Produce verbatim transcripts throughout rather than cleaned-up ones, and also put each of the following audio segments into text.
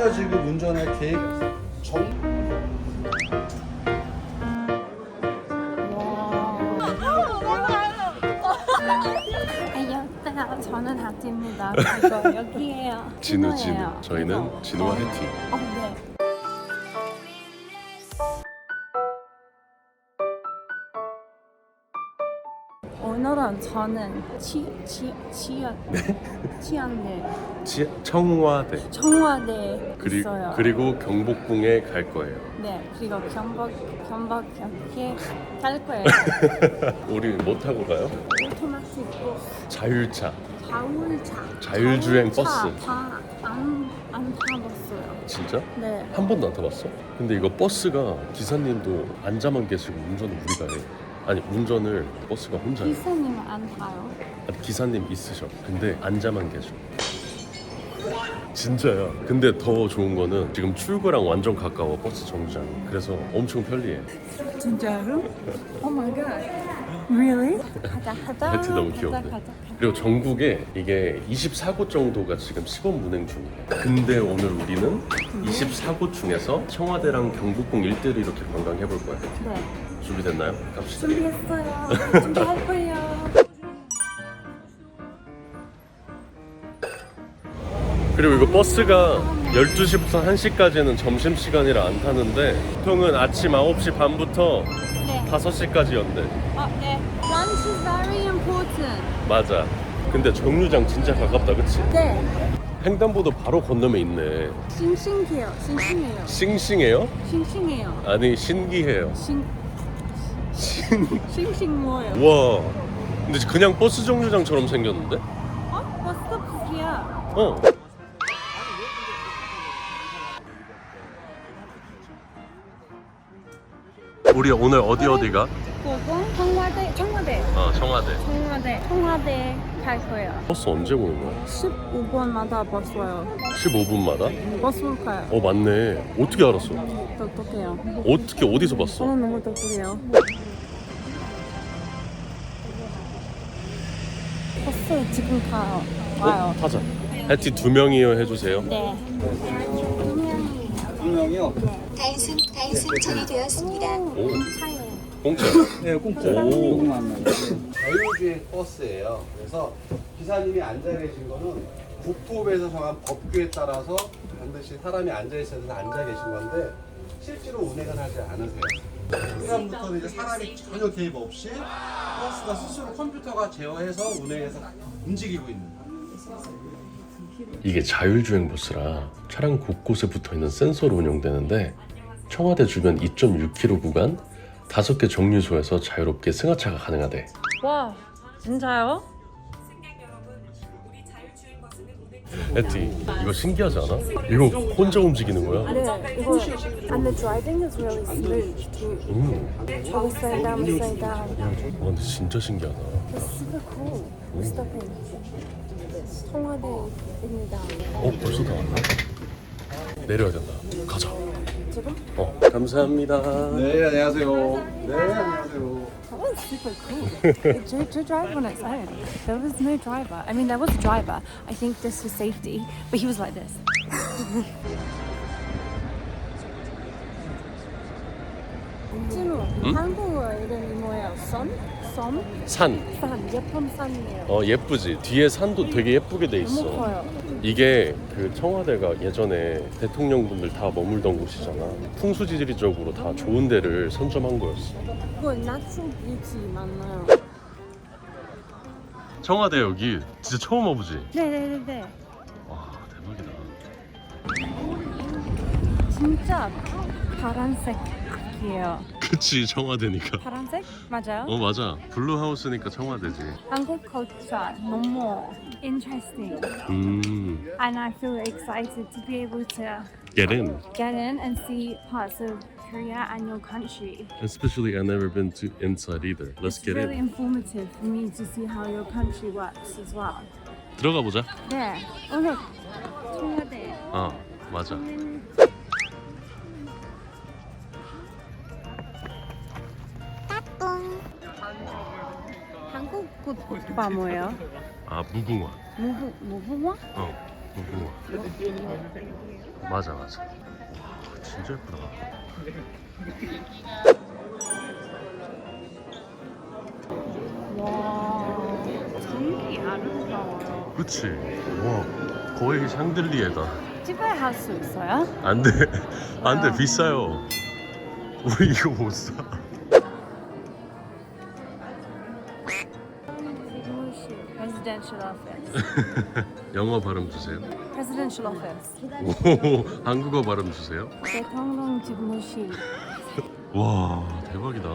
혼자 지금 운전할 계획 정 안녕하세요. 저는 하트입니다. 그리고 여기에요. 진우, 진우. 진우예요. 저희는 진우. 진우와 해티. 어, 네. 오늘은 저는 치, 치, 치안, 치안대, 치, 청와대. 청와대에 그리, 있어요. 그리고 경복궁에 갈 거예요. 네, 그리고 경복, 경복 이렇게 갈 거예요. 우리 뭐 타고 가요? 오토마틱 버스, 자율차. 자율차, 자율주행 자율차 버스. 다 안, 안 타봤어요. 진짜? 네. 한 번도 안 타봤어? 근데 이거 버스가 기사님도 앉아만 계시고 운전을 우리가 해. 아니 운전을 버스가 혼자 해. 기사님은 안 타요? 아니, 기사님 있으셔. 근데 앉아만 계셔. 진짜야. 근데 더 좋은 거는 지금 출구랑 완전 가까워 버스 정류장. 그래서 엄청 편리해. 진짜로? Oh my god. Really? 가자 가자. 해티 너무 가자, 귀여운데. 가자, 가자. 그리고 전국에 이게 이십사 곳 정도가 지금 시범 운행 중이에요. 근데 오늘 우리는 이십사 곳 중에서 청와대랑 경복궁 일대를 이렇게 관광해 볼 거예요. 네. 준비됐나요? 갑시다. 준비했어요. 준비할 거예요. 그리고 이거 버스가 열두 시부터 한 시까지는 점심시간이라 안 타는데 보통은 아침 아홉 시 반부터 네. 다섯 시까지 연대. 어, 네. Lunch is very important. 맞아. 근데 정류장 진짜 가깝다, 그치? 네. 횡단보도 바로 건너면 있네. 싱싱해요. 싱싱해요. 싱싱해요? 싱싱해요. 아니 신기해요. 싱 신... 싱싱 뭐예요? 와. 근데 그냥 버스 정류장처럼 생겼는데? 어? 버스 스톱이야. 어. 우리 오늘 어디 어디가? 고궁 청와대 청와대 어, 청와대. 청와대 청와대 갈 거예요. 버스 언제 오는 거야? 십오 분마다 버스 와요. 십오 분마다? 버스로 가요. 어, 맞네. 어떻게 알았어? 똑똑해요. 어떻게 어디서 봤어? 저는 너무 똑똑해요. 버스 지금 가요. 와요. 어? 타자. 해티 두 명이요 해주세요. 네. 분명히요. 단순 단순 처리되었습니다. 오, 차에. 공짜. 네, 공짜. 오. 자율주행 버스예요. 그래서 기사님이 앉아 계신 거는 국토부에서 정한 법규에 따라서 반드시 사람이 앉아 있어야 돼서 앉아 계신 건데 실제로 운행은 하지 않으세요. 그다음부터는 이제 사람이 전혀 개입 없이 버스가 스스로 컴퓨터가 제어해서 운행해서 움직이고 있는 거예요. 이게 자율주행 버스라 차량 곳곳에 붙어있는 센서로 운영되는데 청와대 주변 이 점 육 킬로미터 구간 다섯 개 정류소에서 자유롭게 승하차가 가능하대. 와, 진짜요? 해티, 이거 신기하지 않아? 이거 혼자 움직이는 거야? 네, 이거 and the driving is really smooth too. 음. Always slow down, slow down. 와, 근데 진짜 신기하다. It's super cool. Stopping. 청와대입니다. 어, 벌써 다 왔나? 내려야 된다. 가자. 지금? 어, 감사합니다. 네, 안녕하세요. 네, 안녕하세요. That was super cool. to, to drive on its own. There was no driver. I mean, there was a driver. I think this was safety, but he was like this. 진우, 한국어 이름이 뭐예요? 선? 선? 산. 산, 예쁜 산이에요. 어, 예쁘지? 뒤에 산도 되게 예쁘게 돼 너무 있어. 커요. 이게 그 청와대가 예전에 대통령분들 다 머물던 곳이잖아. 풍수지리적으로 다 좋은 데를 선점한 거였어. 그거 natural beauty 맞나요? 청와대 여기 진짜 처음 와보지? 네네네네. 와, 대박이다. 진짜 파란색 악기예요. 그치, 청와대니까. 파란색? 맞아요? 어, 맞아. 블루하우스니까 청와대지. 한국 culture 너무 interesting. 음, And I feel excited to be able to get in. get in and see parts of Korea and your country. Especially I've never been to inside either. Let's It's get really in. informative for me to see how your country works as well. 들어가 보자. 네. 오늘 청와대. 어, 맞아. 한국 꽃 오빠 뭐예요? 아, 무궁화. 무궁 무궁화? 어. 우와. 맞아 맞아. 와, 진짜 예쁘다. 와, 되게 아름다워요. 그치? 와, 거의 샹들리에다. 집에 할 수 있어요? 안 돼. 안 돼. 비싸요. 우리 이거 못 사. Presidential office. 영어 발음 주세요. Presidential office. 오, 한국어 발음 주세요. 대통령 집무실. 와, 대박이다.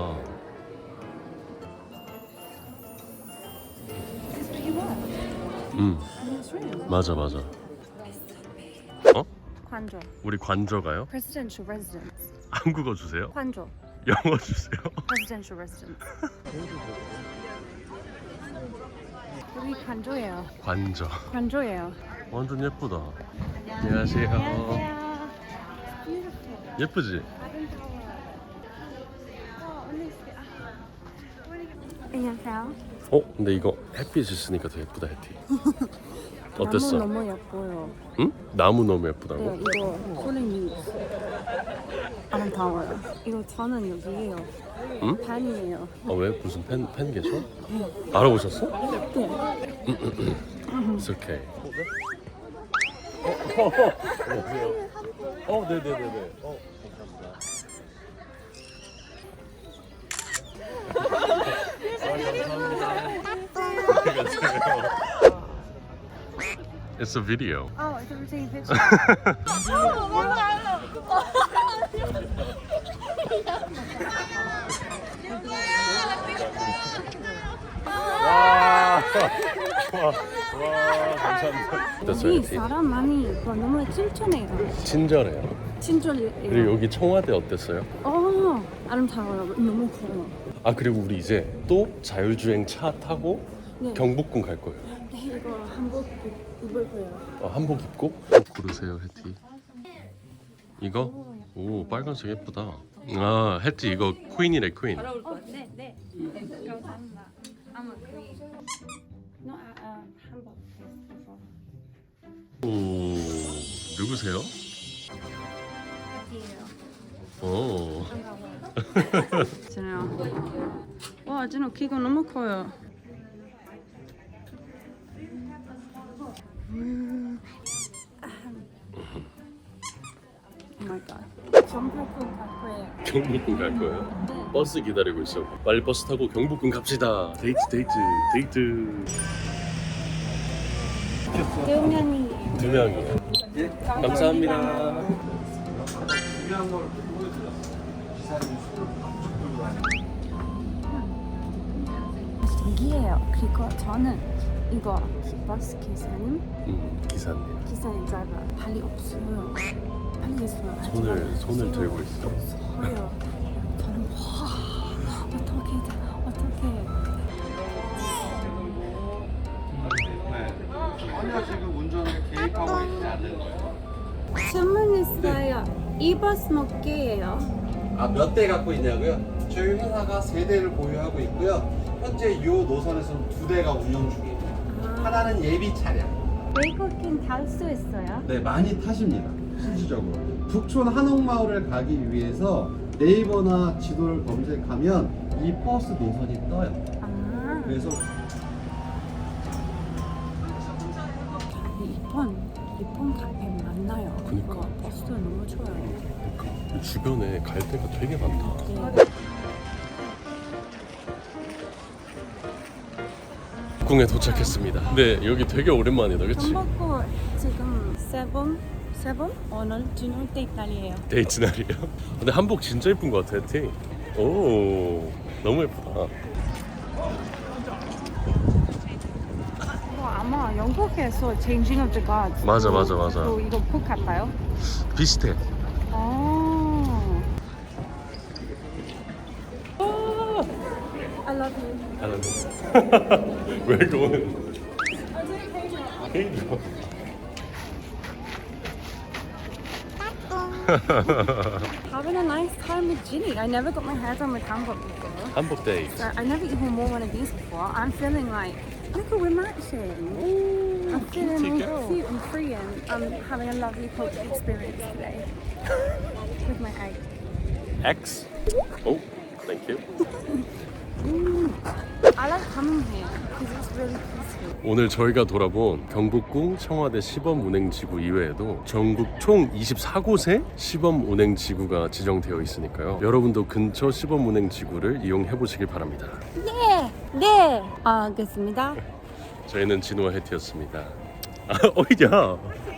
This is pretty well. 응, I mean, it's really 맞아 맞아. 어? 관조. 우리 관저가요? Presidential residence. 한국어 주세요. 관조. 영어 주세요. Presidential residence. 여기 관조예요. 관저. 관조예요. 완전 예쁘다. 안녕하세요. 안녕하세요. Beautiful. 예쁘지? 안녕하세요. 어? 근데 이거 햇빛 있으니까 더 예쁘다 혜티. 어땠어? 너무 너무 예뻐요. 응? 나무 너무 예쁘다고? 네, 이거 콜링이 아름다워요. 이거 저는 여기에요. 응? 반이에요. 아 왜? 무슨 팬, 팬 계셔? 알아보셨어? 네. It's okay. 어, 어, 어, 네네네네. 어, 감사합니다. It's a video. Oh, it's a routine picture. 와, 와, 와, 감사합니다. 어땠어요, 여기 혜티? 사람 많이 있고 너무 친절해요. 친절해요. 친절해요. 그리고 여기 청와대 어땠어요? 어, 아름다워요. 너무 커요. 아 그리고 우리 이제 또 자율주행 차 타고 네. 경복궁 갈 거예요. 네, 이거 한복 입을 거예요. 어, 한복 입고 옷 고르세요, 혜티. 이거? 오, 빨간색 예쁘다. 아, 혜티 이거 퀸이래, 퀸. 어, 네, 네. 감사합니다. 아마 그림. No, 아, 아, 한복. 오, 누구세요? 어디예요? 오. 진우요. 와, 진우 키가 너무 커요. 음. Oh my god. 경복궁 갈 거예요. 경복궁 갈 거예요? 버스 기다리고 있어. 빨리 버스 타고 경복궁 갑시다. 데이트, 데이트, 데이트. 두 명이에요. 두 명이요. 예, 감사합니다. 중요한 걸 보여드렸어요. 기사님 여기에요. 그리고 저는 이거 버스 기사님, 음, 기사님. 기사님 드라이버 발이 없어요. 발이 있어요. 손을 손을 들고 있어. 서요. 저는 와 어떻게 어떻게 네. 전혀 지금 운전에 개입하고 있지 않는 거예요. 질문 있어요. 이 버스 몇 개예요? 아, 몇 대 갖고 있냐고요? 저희 회사가 세 대를 보유하고 있고요. 현재 이 노선에서는 두 대가 운영 중이에요. 하나는 예비 차량. 외국인 탈 수 있어요? 네, 많이 타십니다. 실질적으로. 북촌 한옥마을을 가기 위해서 네이버나 지도를 검색하면 이 버스 노선이 떠요. 아, 그래서 이번 이번 카페 만나요. 그니까. 이거 버스도 너무 좋아요. 주변에 갈 데가 되게 많다. 네. 궁에 도착했습니다. 네, 여기 되게 오랜만이다, 그치? 전복구 지금 세번 세번 오늘 진울 때 이탈리에요. 데이트 날이에요. 근데 한복 진짜 예쁜 것 같아, 혜티. 오, 너무 예쁘다. 이거 아마 영국에서 Changing of the Gods. 맞아, 맞아, 맞아. 또 이거 북 같아요? 비슷해. 아. I love you. 알았네. 왜 그거는? 케이크. Having a nice time with Ginny. I never got my hair done with hanbok before. 한복 데이트. So I never even wore one of these before. I'm feeling like, look at we're matching. Ooh. I'm feeling cute and free and I'm having a lovely cultural experience today with my egg. X. Oh, thank you. I like coming here because it's really peaceful. 오늘 저희가 돌아본 경복궁 청와대 시범 운행 지구 이외에도 전국 총 이십사 곳에 시범 운행 지구가 지정되어 있으니까요. 여러분도 근처 시범 운행 지구를 이용해 보시길 바랍니다. 네, 네. 알겠습니다. 저희는 진호와 해티였습니다. 아, 어이야.